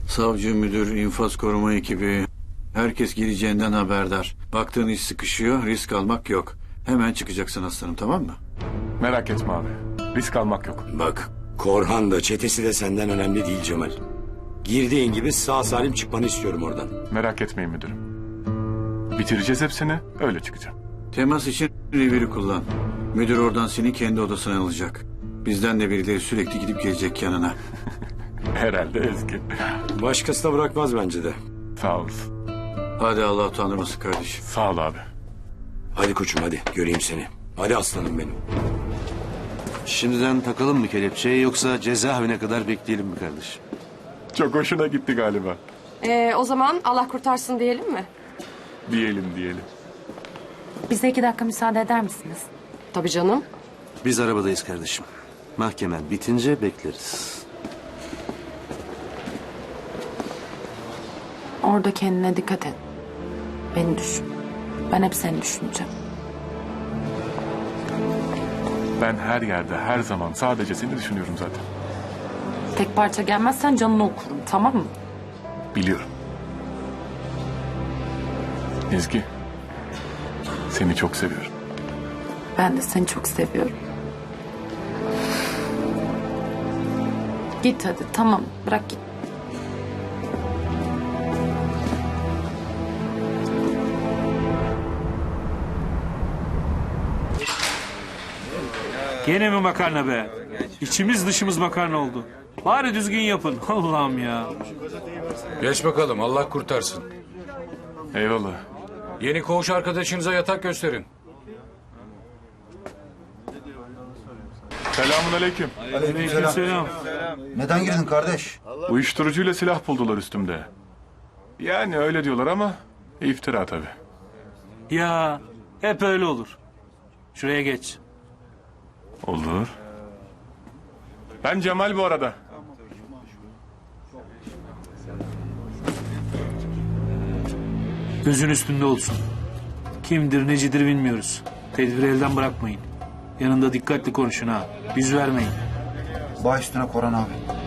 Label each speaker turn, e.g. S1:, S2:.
S1: Savcı, müdür, infaz koruma ekibi... Herkes gireceğinden haberdar. Baktığın iş sıkışıyor, risk almak yok. Hemen çıkacaksın aslanım, tamam mı?
S2: Merak etme abi. Risk almak yok.
S3: Bak, Korhan da çetesi de senden önemli değil Cemal. Girdiğin gibi sağ salim çıkmanı istiyorum oradan.
S2: Merak etmeyin müdürüm. Bitireceğiz hepsini, öyle çıkacağım.
S1: Temas için reviri kullan. Müdür oradan seni kendi odasına alacak. Bizden de birileri sürekli gidip gelecek yanına.
S2: Herhalde Ezgi.
S3: Başkası da bırakmaz bence de.
S2: Sağ olasın.
S1: Hadi Allah utandırmasın kardeşim.
S2: Sağ ol abi.
S3: Hadi koçum hadi göreyim seni. Hadi aslanım benim.
S4: Şimdiden takalım mı kelepçeyi yoksa cezaevine kadar bekleyelim mi kardeşim?
S2: Çok hoşuna gitti galiba.
S5: O zaman Allah kurtarsın diyelim mi?
S2: Diyelim.
S6: Bize 2 dakika müsaade eder misiniz?
S5: Tabii canım.
S4: Biz arabadayız kardeşim. Mahkemen bitince bekleriz.
S6: Orada kendine dikkat et. Beni düşün. Ben hep seni düşüneceğim.
S2: Ben her yerde, her zaman sadece seni düşünüyorum zaten.
S6: Tek parça gelmezsen canını okurum, tamam mı?
S2: Biliyorum. Ezgi, seni çok seviyorum.
S6: Ben de seni çok seviyorum. Git hadi, tamam. Bırak git.
S7: Gene mi makarna be? İçimiz dışımız makarna oldu. Bari düzgün yapın. Allah'ım ya.
S8: Geç bakalım, Allah kurtarsın.
S2: Eyvallah.
S8: Yeni koğuş arkadaşınıza yatak gösterin.
S2: Selamun aleyküm.
S7: Aleykümselam.
S9: Neden girdin kardeş?
S2: Uyuşturucuyla silah buldular üstümde. Yani öyle diyorlar ama iftira tabii.
S7: Ya hep öyle olur. Şuraya geç.
S2: Olur. Ben Cemal bu arada.
S7: Gözün üstünde olsun. Kimdir necidir bilmiyoruz. Tedbiri elden bırakmayın. Yanında dikkatli konuşun ha. Yüz vermeyin.
S9: Baş üstüne Koran abi.